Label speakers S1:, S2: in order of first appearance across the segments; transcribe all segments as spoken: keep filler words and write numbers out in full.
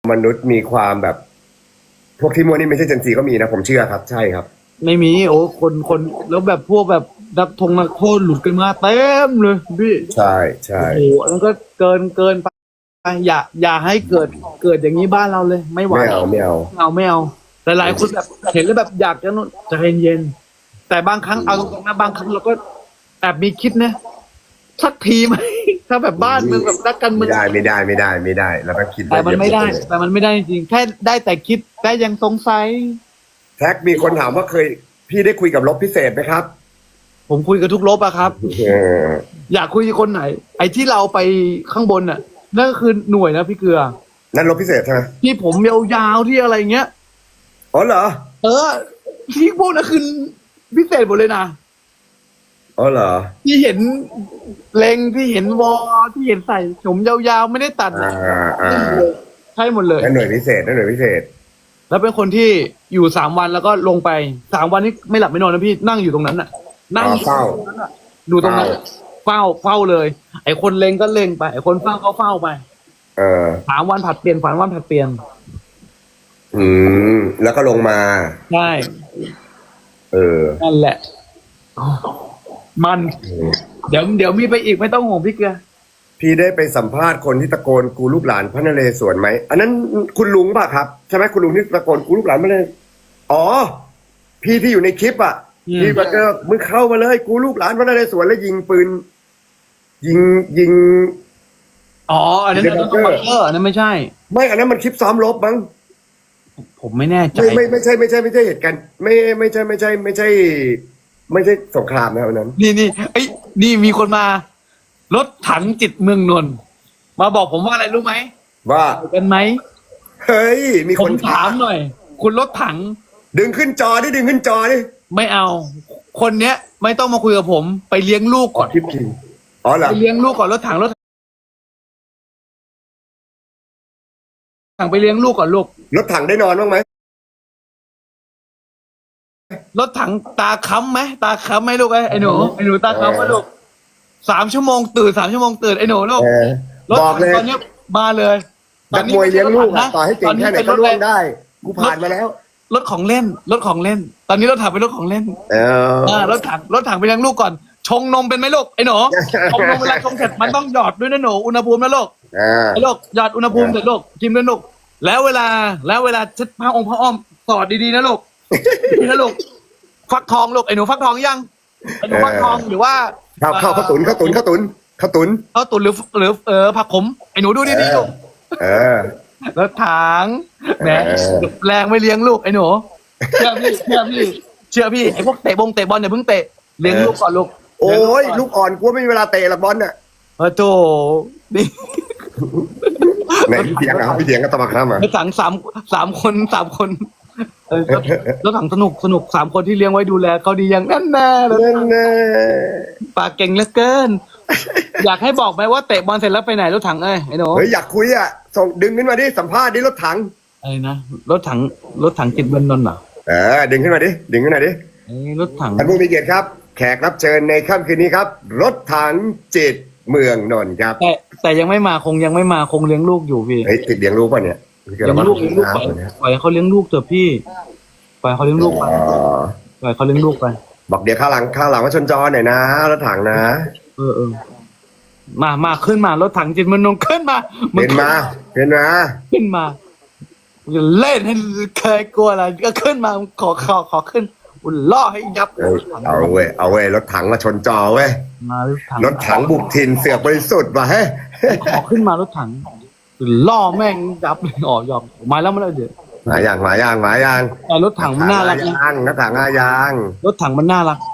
S1: มนุษย์มีความแบบพวกที่มัวนี่ไม่ใช่เจนซีก็มีนะผมเชื่อครับใช่ครับ
S2: ไม่มีโอ้คนคนแล้วแบบพวกแบบนักทงนักโทษหลุดกันมาเต็มเลยพี่
S1: ใช่ใช่
S2: โอ้โหอันนั้นก็เกินเกินไปอย่าอย่าให้เกิดเกิดอย่างนี้บ้านเราเลยไม่ไหว
S1: ไม่เอาไม่เอา
S2: ไม่เอาไม่เอาแต่หลายคนแบบเห็นแล้วแบบอยากจะนู่นใจเย็นๆแต่บางครั้งเอาตรงๆนะบางครั้งเราก็แอบมีคิดนะสักทีไหมถ้าแบบบ้านเมืองแบบนักการเมื
S1: ไม่
S2: อง
S1: ได้ไม่ได้ไม่ได้ไม่ได้เราต้องคิด
S2: แต่มันไม่ได้ แต่มันไม่ได้จริงๆแค่ได้แต่คิดแต่ยังสงสัย
S1: แท็กมีคนถามว่าเคยพี่ได้คุยกับลบพิเศษไหมครับ
S2: ผมคุยกับทุกลบอะครับ
S1: เออ
S2: อยากคุยกับคนไหน ไอ้ที่เราไปข้างบนน่ะนั่นก็คือหน่วยนะพี่เกลือ
S1: นั่นลบพิเศษใช่ไหม
S2: ที่ผมยาวๆที่อะไรเงี้ย
S1: อ๋อเหรอ
S2: เออ ที่พวกนั้นคือพิเศษหมดเลยนะ
S1: อ๋อเหรอ
S2: ที่เห็นเลงที่เห็นวอที่เห็นใส่ผมยาวๆไม่ได้ตัด
S1: อ่าอ่า
S2: ใช่หมดเลย
S1: นั่นหน่วยพิเศษนั่นหน่วยพิเศษ
S2: แล้วเป็นคนที่อยู่สามวันแล้วก็ลงไปสามวันนี้ไม่หลับไม่นอนนะพี่นั่งอยู่ตรงนั้นน่ะ นั่ง
S1: อ๋อเฝ้า
S2: ดูตรงนั้นน่ะเฝ้าเฝ้าเลย ไอ้คนเลงก็เลงไปไอ้คนเฝ้าก็เฝ้าไป
S1: เออ
S2: สามวันผัดเปลี่ยนฝันวันผัดเปลี่ยน
S1: อืมแล้วก็ลงมา
S2: ใช่
S1: เออ
S2: นั่นแหละ มัน เดี๋ยวเดี๋ยวมีไปอีกไม่ต้องห่วงพี่เกลือ
S1: พี่ได้ไปสัมภาษณ์คนที่ตะโกนกูลูกหลานพระนเรศวรไหมอันนั้นคุณลุงป่ะครับใช่ไหมคุณลุงที่ตะโกนกูลูกหลานพระนเรศวรอ๋อ พี่ที่อยู่ในคลิปอ่ะ
S2: อืม
S1: พี่มันก็มึงเข้ามาเลยกูลูกหลานพระนเรศวรแล้วยิงปืน ยิงยิง
S2: อ๋ออันนั้นอันนั้นต้องบังเกอร์อันนั้นไม่ใช่
S1: ไม่อันนั้นมันคลิปซ้อมรบมั้ง
S2: ผมไม่แน่ใจ
S1: ไม่ไม่ไม่ใช่ไม่ใช่ไม่ใช่เหตุการณ์ไม่ไม่ใช่ไม่ใช่ไม่ใช่ ไม่ใช่สงครามนะอันนั้น
S2: นี่นี่ไอ้ยนี่มีคนมา รถถังจิตเมืองนนท์มาบอกผมว่าอะไรรู้ไหม
S1: ว่า
S2: เอากันไหม
S1: เฮ้ยมี
S2: ผ
S1: ค
S2: ม
S1: น
S2: ถามหน่อย คุณรถถัง
S1: ดึงขึ้นจอดิดึงขึ้นจอดิ
S2: ไม่เอา คนเนี้ย ไม่ต้องมาคุยกับผม ไปเลี้ยงลูกก่อน
S1: คลิปจริงอ๋อเหรอ
S2: ไปเลี้ยงลูกก่อนรถถังรถถังไปเลี้ยงลูกก่อนลูก
S1: รถถังได้นอนบ้างไหม
S2: รถถังตาค้ำไหมตาค้ำไหมลูกไอ้ไอ้หนูไอ้หนูตาค้ำไหมลูกสามชั่วโมงตื่นสามชั่วโมงตื่นไอ้หนูลูก
S1: เออ
S2: รถ
S1: บอก
S2: ถัง
S1: เลย
S2: ตอนเนี้ยมาเลย
S1: นักมวยเลี้ยงลูก
S2: นะ
S1: อะต่อให้เก่งแค่ไหนก็ร่วงได้ กูผ่านมาแล้ว
S2: รถของเล่น รถของเล่น ตอนนี้รถถังเป็นรถของเล่น
S1: เออ
S2: อ่ารถถังรถถังไปเลี้ยงลูกก่อน ชงนมเป็นไหมลูกไอ้หนูชงนมเวลาชงเสร็จมันต้องหยอดด้วยนะหนูอุณหภูมินะลูก
S1: เออ
S2: ไอ้ลูกหยอดอุณหภูมิเสร็จลูกกินด้วยลูกแล้วเวลาแล้วเวลาเช็ดผ้าองค์ผ้าอ้อมสอดดีๆนะลูกดีนะลูกฟักทองลูกไอ้หนูฟักทองยังไอ้หนูฟักทองหรือว่า
S1: ข้าวข้าวข้าวตุนข้าวตุนข้าวตุนข้าวตุน
S2: ข้าวตุ๋นหรือหรือเออผักขมไอ้หนูดูดีๆลูก
S1: เออ
S2: รถถังแหม
S1: เออ
S2: แรงไม่เลี้ยงลูกไอ้หนูเชื่อพี่เชื่อพี่เชื่อพี่ไอ้พวกเตะบงเตะบอลอย่าเพิ่งเตะเลี้ยงลูกก่อนลูก
S1: โอ้ยลูกอ่อนกูไม่มีเวลาเตะหรอกบอลน่ะ
S2: เออโธ่นี่
S1: ไหนพี่เถียงอ่ะพี่เถียงก็ตะบักข้ามอ่ะ
S2: รถถังสามสามคนสามคนเออรถรถถังสนุกสนุกสามคนที่เลี้ยงไว้ดูแลเขาดีอย่างแน่นแน่เลย
S1: นั่นแน่
S2: ปากเก่งเหลือเกิน อยากให้บอกไหมว่าเตะบอลเสร็จแล้วไปไหนรถถังเอ้ยไอ้หนู
S1: เฮ้ยอยากคุยอ่ะส่งดึงขึ้นมาดิสัมภาษณ์ดิรถถัง
S2: ไอ้นะรถถังรถถังจิตเมืองนนท์เหรอ
S1: เออดึงขึ้นมาดิดึงขึ้นมาดิ
S2: ไอ้รถถัง
S1: ท่านผู้มีเกียรติครับ แขกรับเชิญในค่ำคืนนี้ครับ รถถังจิตเมืองนนท์ครับ
S2: แต่แต่ยังไม่มาคงยังไม่มาคงเลี้ยงลูกอยู่พี่
S1: เฮ้ยติดเลี้ยงลูกป่ะเนี่ย
S2: เลี้ยงลูกเลี้ยงลูกไปปล่อยให้เขาเลี้ยงลูกเถอะพี่ปล่อยให้เขาเลี้ยงลูกไป
S1: อ๋อ
S2: ปล่อยให้เขาเลี้ยงลูกไป
S1: บอกเดี๋ยวข้างหลังข้างหลังว่าชนจอหน่อยนะรถถังนะ
S2: เออเออมามาขึ้นมารถถังจิตเมืองนนท์ขึ้นมามึ
S1: เห็นมาเห็นมา
S2: ขึ้นมาจะเล่นให้เคยกลัวอะไรก็ขึ้นมาขอขอขอขึ้นอุ่นล่อให้ยับ
S1: เอ้ยเอาเว้ยเอาเว้ยรถถังมาชนจอเว้ย
S2: มารถถัง
S1: รถถังบุกถิ่นเสือกบริสุทธิ์ว่ะเฮ้ย
S2: ขอขึ้นมารถถังล่อแม่งยับเลยอ๋อยอมมาแล้วมาแล้วเดี๋ยว
S1: หมาย่างหมาย่างหมาย่าง
S2: แต่รถถังมันน่ารักนะ
S1: ยางรถถังอายาง
S2: รถถังมันน่ารัก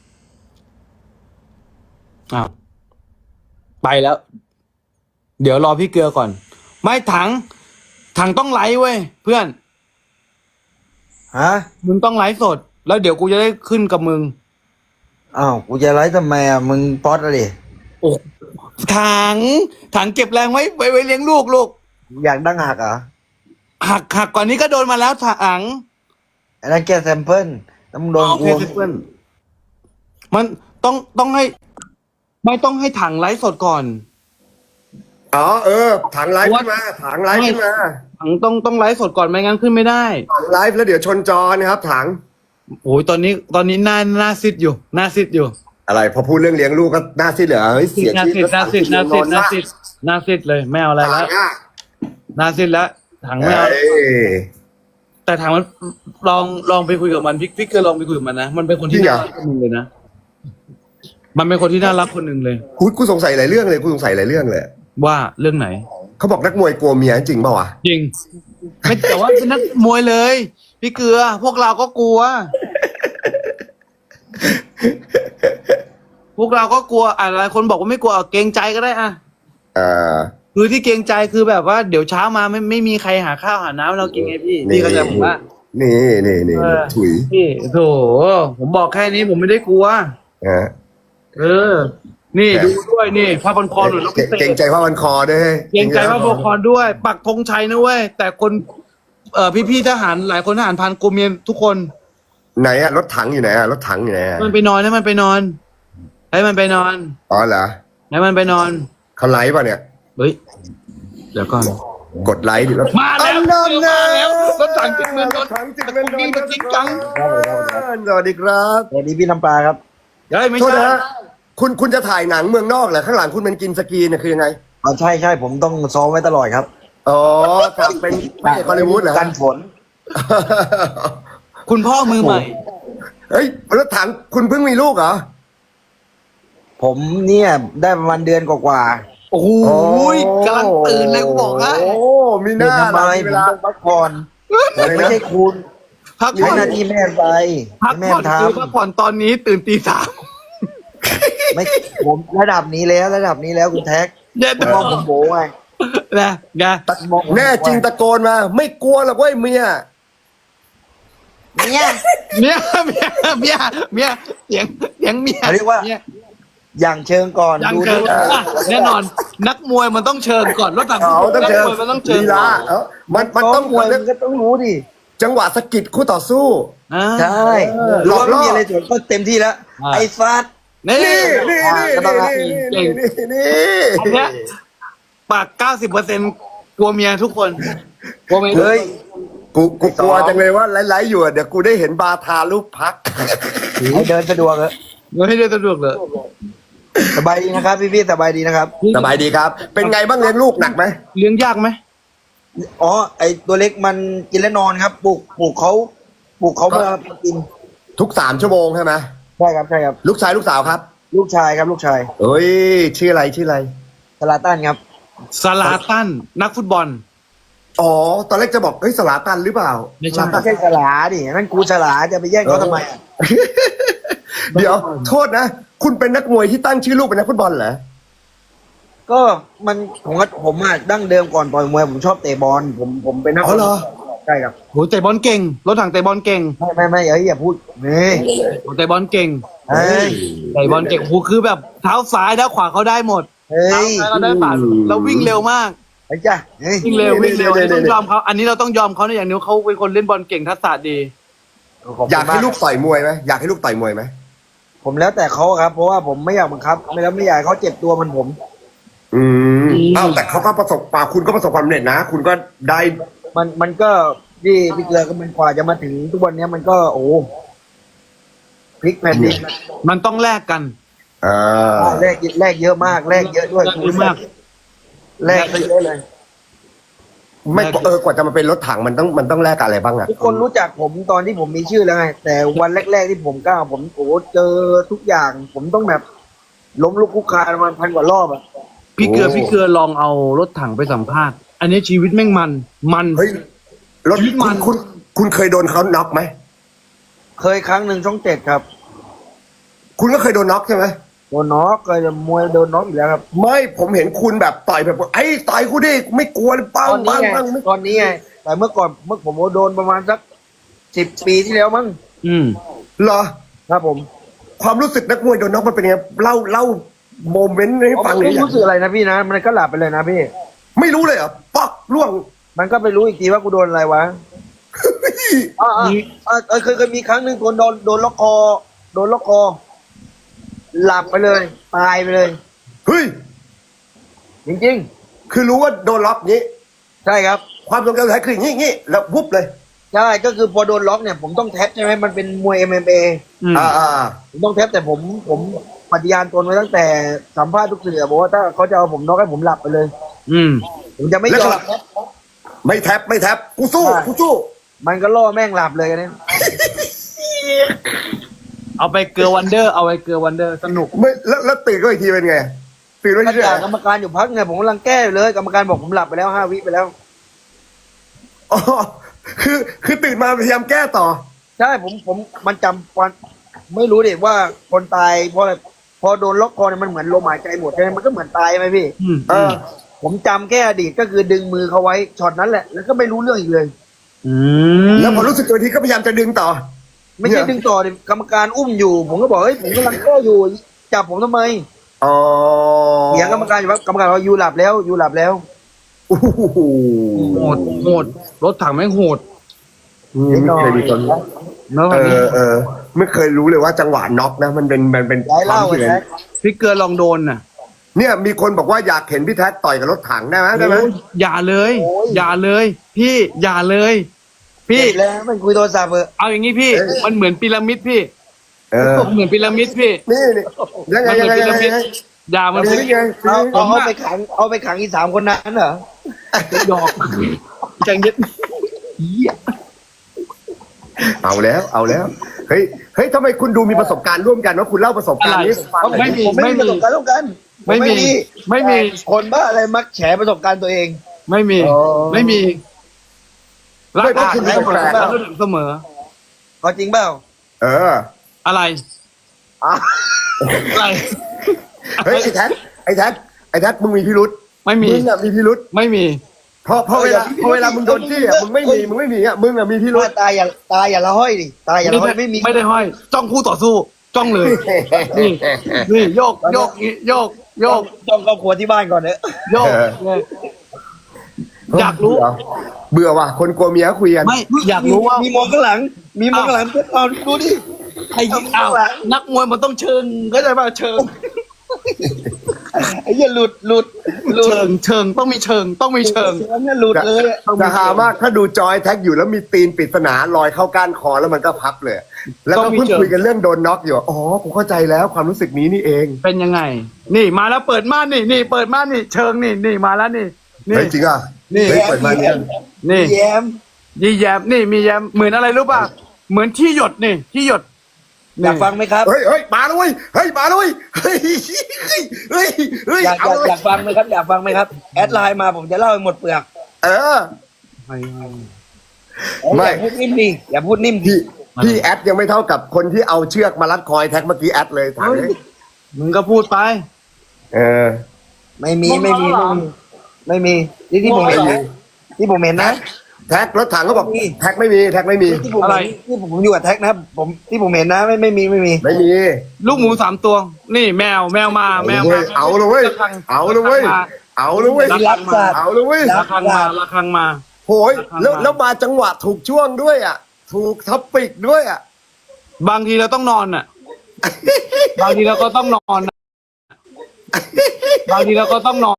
S2: อ้าวไปแล้ว เดี๋ยวรอพี่เกลือก่อน ไม่ถัง ถังต้องไลฟ์เว้ยเพื่อน
S3: ฮะ
S2: มึงต้องไลฟ์สด แล้วเดี๋ยวกูจะได้ขึ้นกับมึง
S3: อ้าวกูจะไลฟ์ทำไมอ่ะมึงป๊อตอะไร
S2: โอ้ถัง ถังเก็บแรงไว้ไว้ไว้เลี้ยงลูกลูก
S3: อยากดังหักเหรอ
S2: หักหักก่อนนี้ก็โดนมาแล้วถัง
S3: อันนั้นแค่แซมเปิลแล้วมึงโดน
S2: โอ
S3: กู
S2: เคเพื่อนมันต้องต้องให้ ไม่ต้องให้ถังไลฟ์สดก่อน
S1: อ๋อเออถังไลฟ์ขึ้นมาถังไลฟ์ขึ้นมา
S2: ถังต้องต้องไลฟ์สดก่อนไม่งั้นขึ้นไม่ได้
S1: ถังไลฟ์แล้วเดี๋ยวชนจอนะครับถัง
S2: โอ้ยตอนนี้ตอนนี้หน้าหน้าซิดอยู่หน้าซิดอยู่
S1: อะไรพอพูดเรื่องเลี้ยงลูกก็หน้าซีดเหรอเฮ้ยเสีย
S2: หน้า
S1: ชีวิต
S2: ซิดหน้าซิดหน้าซิดหน้าซิดหน้าซิดเลยไม่เอาอะไร
S1: ถั
S2: แล้ว
S1: งอ่ะ
S2: หน้าซิดแล้วถังไม่เอา
S1: เอ้ย
S2: แต่ถังมันลองลองไปคุยกับมันพี่พี่เคยลองไปคุยกับมันนะมันเป็นคนที่น่ารักคนหนึ่งเลยนะมันเป็นคนที่น่ารักคนหนึ่งเลย
S1: กูกูสงสัยหลายเรื่องเลยกูสงสัยหลายเรื่องเลย
S2: ว่าเรื่องไหน
S1: เขาบอกนักมวยกลัวเมียจริงเปล่าวะ
S2: จริงไม่แต่ว่าเป็นนักมวยเลย พี่เกลือ พวกเราก็กลัว พวกเราก็กลัวอะไรคนบอกว่าไม่กลัวเอาเกรงใจก็ได้อะ
S1: อ่า
S2: คือที่เกรงใจคือแบบว่าเดี๋ยวเช้ามาไม่ไม่มีใครหาข้าวหาน้ำให้เรากินไงพี่พี่ก็จะบอกว่า
S1: นี่นี่นี่
S2: เออ
S1: ถุย
S2: พี่โถผมบอกแค่นี้ผมไม่ได้กลัว
S1: นะ
S2: เออ นี่ดูด้วยนี่ผ้าพันคอหนุนแล้วพิเศษ
S1: เก่งใจว่ามันคอด้วย
S2: เกรงใจผ้าพันคอด้วย ปักธงชัยนะเว้ยแต่คนเอ่อพี่ๆทหารหลายคนทหารพรานกรมเมียทุกคน
S1: ไหนอะรถถังอยู่ไหนอะรถถังอยู่ไหนอะ
S2: มันไปนอนให้มันไปนอนให้มันไปนอน
S1: อ๋อเหรอ
S2: ให้มันไปนอน
S1: เขาไลฟ์ป่ะเนี่ย
S2: เฮ้ยเดี๋ยวก่อน
S1: กดไลค์ดิรถ
S2: มาแล้ว
S1: อันนั้น
S2: มาแล้วรถถังจิงเมืองนน
S1: รถ
S2: ท์
S1: ถังจิงเมืองนนท์
S2: ตะกุกกิ้งตะกิ้งกัง
S1: สวัสดีครับ
S3: สวัสดีพี่น้ำปลาครับ
S2: เฮ้ยไม่
S1: โทษ
S2: ใช่
S1: นะฮะคุณคุณจะถ่ายหนังเมืองนอกเหรอข้างหลังคุณเป็นกินสกีเนี่ยคือยังไง
S3: อ๋อใช่ใช่ผมต้องซ้อมไว้ตลอดครับ
S1: อ๋อครับเป็นพระเอกฮอลลีวูดเหรอ
S3: กันฝน
S2: คุณพ่อมือใหม่
S1: เฮ้ยรถถังคุณเพิ่งมีลูกเหรอ
S3: ผมเนี่ยได้ประมาณเดือนกว่า
S2: โอ้โหกำลังตื่นเลยกูบอกให้
S1: โอ้มี
S3: ๆ
S1: ห
S3: เดือน
S1: น้า
S3: ทำไม
S1: ล่ะมี
S3: ผ
S1: เว
S3: ม
S1: ลา
S3: ต้องพักผ่อนผมไม่ใช่คุณ
S2: พัก
S3: ใช้
S2: ผ่อน
S3: หน้าที่แม่ไป
S2: พัก
S3: ให้แม่
S2: ผ่อน
S3: ท
S2: คือพักผ่อนตอนนี้ตื่นตีสาม
S3: ำไม่ผมระดับนี้แล้วระดับนี้แล้วคุณแท็ก
S2: เย็น
S3: มองผมโบไง
S2: นะไง
S3: มองผมโบ
S1: แน่จริงตะโกนมา ไม่กลัวหรอกเว้ยเมีย
S3: เนี่ย
S2: เมียเมียเมียเมียเสียงเสียงเมีย
S3: เขาเรียกว่า
S2: มี
S3: อย่างเชิงก่อน
S2: ยัง
S3: ดู
S2: เชิง
S3: ดู
S2: อ่ะแน่นอน นักมวยมันต้องเชิงก่อนรถถัง
S1: เขาต้องเจอ
S2: นักมวยมันต้องเชิง
S1: ลีลาเอ้ามันมัน
S3: ต้
S1: ต้
S3: อ
S1: อง ง
S3: มวยมันก็ต้องรู้ดิ
S1: จังหวะสะกิดคู่ต่อสู้
S2: อ่า
S3: ใช่
S1: หล
S3: รู้
S1: อก
S3: ว่า
S1: ล่อ
S3: ไม่มีอะไรส่วนก็เต็มที่แล้ว
S2: อ่า
S3: ไอ้ฟาด
S2: นี่
S1: นี่นี่
S3: อ่า
S1: นี่
S3: ก็ต้องละ
S1: นี่
S2: เก่
S1: นี่
S2: ง
S1: นี่นี่
S2: อันเนี้ยปากเก้าสิบเปอร์เซ็นต์กลัวเมียทุกคนกลัวเมีย
S3: เฮ้ย
S1: กูกูกลัวจังเลยว่าไลฟ์ๆอยู่อะเดี๋ยวกูได้เห็นบาทาลูกพัก
S3: ให้เดินสะดวกเลย
S2: ไม่ให้เดินสะดวกเลย
S3: สบายดีนะครับ พี่พี่ๆสบายดีนะครับ
S1: สบายดีครับ เป็นไงบ้างเลี้ยงลูกหนักไหม
S2: เลี้ยงยากไหม
S3: อ๋อไอตัวเล็กมันกินและนอนครับปลูกปลูกเขาปลูกเขาเมื่อมากิน
S1: ทุกสามชั่วโมงใช่ไหม
S3: ใช่ครับใช่ครับ
S1: ลูกชายลูกสาวครับ
S3: ลูกชายครับลูกชาย
S1: เอ้ยชื่ออะไรชื่ออะไร
S3: สลาตันครับ
S2: ซาลาตันนักฟุตบอล
S1: อ๋อ ตอนแรกจะบอกเฮ้ยสลาตันหรือเปล่า
S2: ไม่ใช่
S1: สลาตั
S3: ไม่
S1: น
S3: ใช่สลาดินั่นกูสลาจะไปแย่งเขาทำไมอ่ะ
S1: เดี๋ยว โทษนะ คุณเป็นนักมวยที่ตั้งชื่อลูกเป็นนักฟุตบอลเหรอ
S3: ก็มันผมก็ผมอ่ะดั้งเดิมก่อนต่อยมวยผมชอบเตะบอลผมผมเป็นนัก
S1: อ๋อเหรอ
S3: ใช่ครับ
S2: โหเตะบอลเก่งรถถังเตะบอลเก่ง
S3: ไม่ไม่ไม่เอ้ยอย่าพูดนี่
S2: โหเตะบอลเก่ง
S3: เฮ้ย
S2: เตะบอลเก่งโหคือแบบเท้าซ้ายเท้าขวาเขาได้หมด
S3: เฮ้
S2: เท้าย ซ้ายเขาได้ป่าแล้ววิ่งเร็วมาก
S3: ไอ้จ้ะเฮ้ย
S2: วิ่งเร็ววิ่งเร็วอันนี้ต้องยอมเขาอันนี้เราต้องยอมเขาในอย่างนี้เขาเป็นคนเล่นบอลเก่งทักษะดี
S3: ขบคุณ
S1: อยากให้
S3: ม
S1: ลูกต่อยมวยไหมอยากให้ลูกต่อยมวยไหม
S3: ผมแล้วแต่เขาครับ เพราะว่าผมไม่อยากบังคับ ไม่แล้วไม่อยากให้เขาเจ็บตัวเหมันผม
S1: อืมอ้าวแต่เขาก็ประสบป่าคุณก็ประสบความสำเร็จนะ คุณก็ได้
S3: มันมันก็ที่พี่เกลือก็มันกว่าจะมาถึงทุกวันเนี้ยมันก็โอ้พลิกแผ่นดิน
S2: มันต้องแลกกัน
S1: อ่า
S3: แลกแลกเยอะมากแลกเยอะด้วย
S2: แลกเยอะมาก
S3: แลกไปเยอะเลย
S1: ไม่เออกว่าจะมาเป็นรถถังมันต้องมันต้องแลกกับอะไรบ้างอะ
S3: ทุกคนรู้จักผมตอนที่ผมมีชื่อแล้วไงแต่วันแรก ๆที่ผมก้าวผมโอ้เจอทุกอย่าง ผมต้องแบบ ล้มลุกคลุกคลานประมาณพันกว่ารอบอะ
S2: พี่เกลือพี่เกลือลองเอารถถังไปสัมภาษณ์ อันนี้ชีวิตแม่งมัน มัน
S1: เฮ้ยรถ
S2: ชีวิต
S1: คุ
S2: มั
S1: ณ
S2: น
S1: คุณคุณเคยโดนเขาน็อกไหม
S3: เคยครั้งหนึ่งช่องเจ็ดครับ
S1: คุณก็เคยโดนน็อกใช่ไหม
S3: โดนน็อกเคยมวยโดนน็อกอยู่แล้วครับ
S1: ไม่ผมเห็นคุณแบบต่อยแบบไอ้ต่อยกูดิไม่กลัวเลยปัง
S3: ตอนนี้
S1: ปัง
S3: ไง
S1: ปังไม่
S3: ตอนนี้ไงแต่เมื่อก่อนเมื่อผมโดนประมาณสักสิบปีที่แล้วมั้ง
S2: อืม
S1: เหรอ
S3: ครับผม
S1: ความรู้สึกนักมวยโดนน็อกมันเป็นยังไงเล่าเล่าโมเมนต์ให้ฟังหน่
S3: ไม่
S1: อยอยาก
S3: รู้สึกอะไรนะพี่นะมันก็หลับไปเลยนะพี่
S1: ไม่รู้เลยเหรอปักล่วง
S3: มันก็ไปรู้อีกทีว่ากูโดนอะไรวะอ่าอ่าอ่าเออเคยเคยมีครั้งหนึ่งโดนโดนโดนล็อกคอ โดนล็อกคอ หลับไปเลย ตายไปเลย
S1: เฮ้ย
S3: จริง
S1: คือรู้ว่าโดนล็อกนี้
S3: ๆ ใช่ครับ
S1: ความทรงจำสุดท้ายคืออย่างงี้อย่างงี้แล้ววุบเลย
S3: ใช่ก็คือพอโดนล็อกเนี่ยผมต้องแท็บใช่ไหมมันเป็นมวย เอ็ม เอ็ม เอ
S2: อืม
S1: อ่าอ่า
S3: ผมต้องแท็บแต่ผมผมปฏิญาณตนไว้ตั้งแต่สัมภาษณ์ทุกสื่อบอกว่าถ้าเขาจะเอาผมน็อกให้ผมหลับไปเลย
S2: อืม
S3: ผมจะไม่ยอม
S1: ไม่แท็บไม่แท็บกูสู้กูสู้
S3: มันก็ล่อแม่งหลับเลยกันเนี่ย
S2: เอาไปเกลือวันเดอร์เอาไปเกลือวันเดอร์สนุก
S1: ไม่แล้วแล้วตื่นก็อีกทีเป็นไงตื่นไม่
S3: ก็
S1: ใช่
S3: จากกรรมการอยู่พักไงผมกำลังแก้อยู่เลย กรรมการบอกผมหลับไปแล้วห้าวิไปแล้ว
S1: อ๋อคือคือตื่นมาพยายามแก้ต่อ
S3: ใช่ผมผมมันจำวันไม่รู้ดิว่าคนตายเพราะอะไรพอโดนล็อกคอเนี่ยมันเหมือนลมหายใจหมดใช่ไหมมันก็เหมือนตายไหมพี่
S2: อืม
S1: เออ
S3: ผมจำแค่อดีตก็คือดึงมือเขาไว้ช็อตนั้นแหละแล้วก็ไม่รู้เรื่องอีกเลย
S2: อืม
S1: แล้วพอรู้สึกตัวทีก็พยายามจะดึงต่อ
S3: ไม่ใช่ดึงต่อดิกรรมการอุ้มอยู่ ผมก็บอกเฮ้ยผมกำลังแก้อยู่จับผมทำไม
S1: อ๋อ
S3: เถียงกรรมการอยู่ว่ากรรมการว่ายูหลับแล้วยูหลับแล้ว
S1: โอ้โห
S2: โหดโหดรถถังแม่งโหด
S1: นี่ไม่เคยมีคน
S2: เนอะ
S1: เออเออไม่เคยรู้เลยว่าจังหวะน็อกนะ มันเป็นมันเป็น
S3: ย้าย
S1: ควา
S3: เล่าม
S1: รู้สึก
S3: ไอ้แท็ก
S2: พี่เกลือลองโดนน่ะ
S1: เนี่ยมีคนบอกว่าอยากเห็นพี่แท็กต่อยกับรถถังได้ไหมได้ไหม
S2: โอ้ยอย่าเลย อย่าเลย พี่อย่าเลย พี่
S3: เสร็จแล้วมันคุยโทรศัพท์เออ
S2: เอาอย่างงี้พี่ มันเหมือนพีระมิดพี่
S1: เออ
S2: มันเหมือนพีระมิดพี่
S1: นี่นี่ยังไง
S2: มันเห
S1: ยั
S2: มื
S1: ง
S2: อน
S1: ไง
S2: พี
S1: ยั
S2: ระ
S1: งไง
S2: มิดอย่ามัน
S1: เดี๋ยวนี้ไง
S3: เอา
S2: ผม
S3: เอา
S2: อะ
S3: ไปขังเอาไปขังอีสามคนนั้นเหรอ
S2: หยอกจังยึดเหี้ย
S1: เอาแล้วเอาแล้วเฮ้ยเฮ้ยทำไมคุณดูมีประสบการณ์ร่วมกันว่าคุณเล่าประสบการณ์นี้ให้ผมฟังหน่อย
S2: ไม่มี
S3: ผมไม่มีประสบการณ์ร่วมกัน
S2: ไม่มีไม่มี
S3: คนบ้าอะไรมักแฉประสบการณ์ตัวเอง
S2: ไม่มี
S3: อ๋อ
S2: ไม่มีรัก
S1: ไม่เพราะ
S2: อ่าน
S1: คุณ
S2: เส
S1: มี
S2: มอ
S1: แปลก
S2: รักเสมอ
S3: ก็จริงเปล่า
S1: เออ
S2: อะไร
S3: อ่ะ
S2: อะไร
S1: เฮ้ยไอ้แท็กไอ้แท็กไอ้แท็กมึงมีพิรุษ
S2: ไม่มี
S1: มึงอะมีพิรุษ
S2: ไม่มี
S1: เพราะเพราะเวลาเพราะเวลามึงโดนจี้อะมึงไม่มีมึงไม่มีอะมึงอะมีพิรุษ
S3: ว่าตายอย่าตายอย่าละห้อยดิตายอย่าละห้อยไม่มี
S2: ไม่ได้ห้อย จ้องคู่ต่อสู้ จ้องเลย นี่ นี่โยกโยกนี่โยกโยก
S3: ต้องครอบครัวที่บ้านก่อนเนอะ
S2: โยกเนี่ยอยากรู้
S1: เบื่อว่ะคนกลัวเมียคุยกัน
S2: ไม่อยากรู้ว่า
S3: มีมองข้างหลัง มีมองข้างหลังเอาดูดิ
S2: ไอ้อ้าวนักมวยมันต้องเชิงเข้าใจป่ะเชิง
S3: ไอ้เหี้ยหลุดหลุดหลุด
S2: เชิงเชิงต้องมีเชิงต้องมีเชิง
S3: เชิงเนี่ยหลุดเลยอะ
S1: จะหามากถ้าดูจอยแท็กอยู่แล้วมีตีนปริศนาลอยเข้าก้านคอแล้วมันก็พับเลย แล้วก็เพิ่งคุยกันเรื่องโดนน็อกอยู่อ๋อผมเข้าใจแล้วความรู้สึกนี้นี่เอง
S2: เป็นยังไง นี่มาแล้วเปิดม่านนี่นี่เปิดม่านนี่เชิงนี่นี่มาแล้วนี่นี่
S1: เฮ้ยจริงอ่ะ
S2: นี่
S1: เฮ้ยเปิดมาเนี่ย
S2: นี่
S3: แย้ม
S2: ยี่แยมนี่มีแยมเหมือนอะไรรู้ป่ะเหมือนที่หยดนี่ที่หยด
S3: อยากฟังไหมครับ
S1: เฮ้ยเฮ้ยมาแล้วเว้ยเฮ้ยมาแล้วเว้ยเฮ้ยเฮ้ยเฮ้ยเฮ้ย
S3: อยากอ
S1: เอา
S3: ยาก
S1: เลย
S3: อยากฟังไหมครับ อยากฟังไหมครับ แอดไลน์มาผมจะเล่าให้หมดเปลือก
S1: เออ ไม่
S3: อย่าพูดนิ่มดิอย่าพูดนิ่มดิ
S1: พี่พี่แอดยังไม่เท่ากับคนที่เอาเชือกมารัดคอยแท็กเมื่อกี้แอดเลยถามเลย
S2: มึงก็พูดไป
S1: เออ
S3: ไม่มีไม่มีไม่มีไม่มีที่ที่ผมเห็นนะที่ผมเห็นนะ
S1: แท็กรถถังก็บอก
S3: ไม่มี
S1: แท็กไม่มีแท็กไม่มี
S3: ที่ผม
S2: อะไร
S3: เห็นที่ผมอยู่กับแท็กนะครับผมที่ผมเห็นนะไม่ไม่มีไม่มี
S1: ไม่มี
S2: ลูกหมูสามตัว นี่แมวแมวมาแมวมา
S1: เอาเลยเว้ยเอาเลยเว้ยเอาเลยเว้ย
S3: รักสัตว์
S1: เอาเลยเว้ย
S2: ระคังมาระคังมา
S1: โหยแล้วแล้วมาจังหวะถูกช่วงด้วยอ่ะ ถูกท็อปปิกด้วยอ่ะ
S2: บางทีเราต้องนอนน่ะ บางทีเราก็ต้องนอนน่ะบางทีเราก็ต้องนอน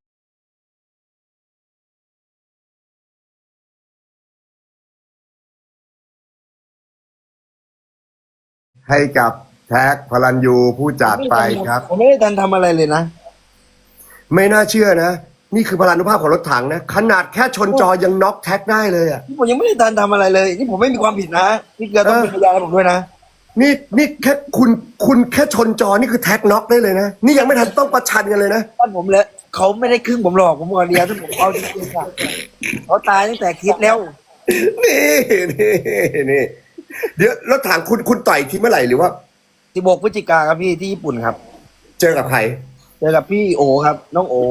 S1: ให้กับแท็กพลันยูผู้จัดไปครับ
S3: ผมไม่ได้ทันทำอะไรเลยนะ
S1: ไม่น่าเชื่อนะ นี่คือพลานุภาพของรถถังนะ ขนาดแค่ชนจอยังน็อกแท็กได้เลยอ่ะ
S3: นี่ผมยังไม่ได้ทันทำอะไรเลย นี่ผมไม่มีความผิดนะพี่เกลือต้องเป็นพยานให้ผมด้วยนะ
S1: นี่นี่แค่คุณคุณแค่ชนจอนี่คือแท็กน็อกได้เลยนะ นี่ยังไม่ทันต้องประชันกันเลยนะ
S3: ท่านผมเลยเขาไม่ได้ครึ่งผมหรอกผมบอกเดียวถ้าผมเอาจริงๆอะเขาตายตั้งแต่คิดแล้ว
S1: นี่นี่นี่เดี๋ยวรถถังคุณคุณต่อยทีเมื่อไหร่หรือว่า
S3: สิบหกพฤศจิกาครับพี่ที่ญี่ปุ่นครับ
S1: เจอกับใคร
S3: เจอกับพี่โอครับ น้องโอ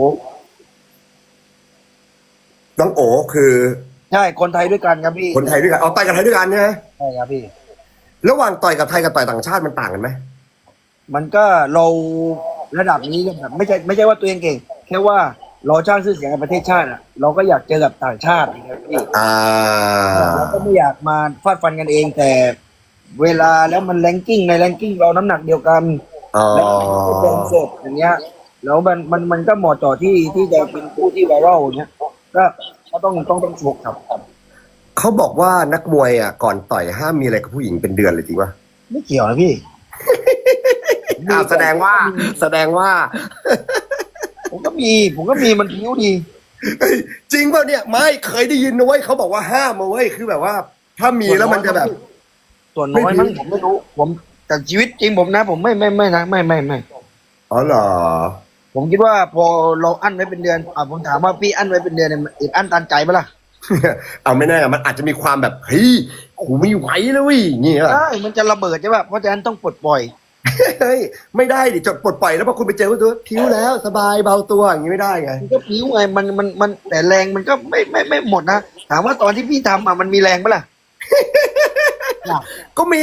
S1: น้องโอคือ
S3: ใช่คนไทยด้วยกันครับพี่
S1: คนไทยด้วยกันเอาต่อยกับไทยด้วยกันใช่ไหม
S3: ใช่ครับพี่
S1: ระหว่างต่อยกับไทยกับต่อยต่างชาติมันต่างกันไหม
S3: มันก็เราระดับนี้แบบไม่ใช่ไม่ใช่ว่าตัวเองเก่ง แค่ว่าเราสร้างชื่อเสียงกับประเทศชาติอ่ะเราก็อยากเจอกับต่างชาตินะครับพี่
S1: อ่า
S3: เราก็ไม่อยากมาฟาดฟันกันเองแต่เวลาแล้วมันแรงกิ้งในแรงกิ้งเราน้ำหนักเดียวกัน
S1: อ๋อ
S3: แล้วเป็นสดอย่างเงี้ยแล้วมันมันมันก็เหมาะเจาะที่ที่จะเป็นผู้ที่ไวรัลอย่างเงี้ยก็ก็ต้องต้องต้องฝึกครับ
S1: เขาบอกว่านักมวยอ่ะก่อนต่อยห้ามมีอะไรกับผู้หญิงเป็นเดือนเลยจริงปะ
S3: ไม่เกี่ยวนะพี่
S1: อ้าวแสดงว่า แสดงว่า
S3: ผมก็มี ผมก็มีมันผิวดี
S1: เฮ้ยจริงเปล่าเนี่ยไม่เคยได้ยินนะเว้ยเขาบอกว่าห้ามมาเว้ยคือแบบว่า ถ้ามีแล้วมันจะแบบ
S3: ส่วนน้อยมั้งผมไม่รู้ ผมแต่ชีวิตจริงผมนะ ผมไม่ไม่ไม่นะไม่ไม่ไม่
S1: อ๋อเหรอ
S3: ผมคิดว่าพอเราอั้นไว้เป็นเดือนอ่าผมถามว่าพี่อั้นไว้เป็นเดือนเนี่ยมันอึดอั้นตันใจปะล่ะ
S1: เอาไม่แน่มันอาจจะมีความแบบเฮ้ยกูไม่ไหวแล้วเว้ยอย่างเงี้ย
S3: ใช่มันจะระเบิดใช่ป่ะเพราะฉะนั้นต้องปลดปล่อย
S1: เฮ้ยไม่ได้ดิจดปลดปล่อยแล้วพอคุณไปเจอก็ตัวพิ้วแล้วสบายเบาตัวอย่างนี้ไม่ได้ไง
S3: มันก็ผิวไงมันมันมันแต่แรงมันก็ไม่ไม่ไม่หมดนะถามว่าตอนที่พี่ทำอ่ะมันมีแรงปะล่ะ
S1: ก็มี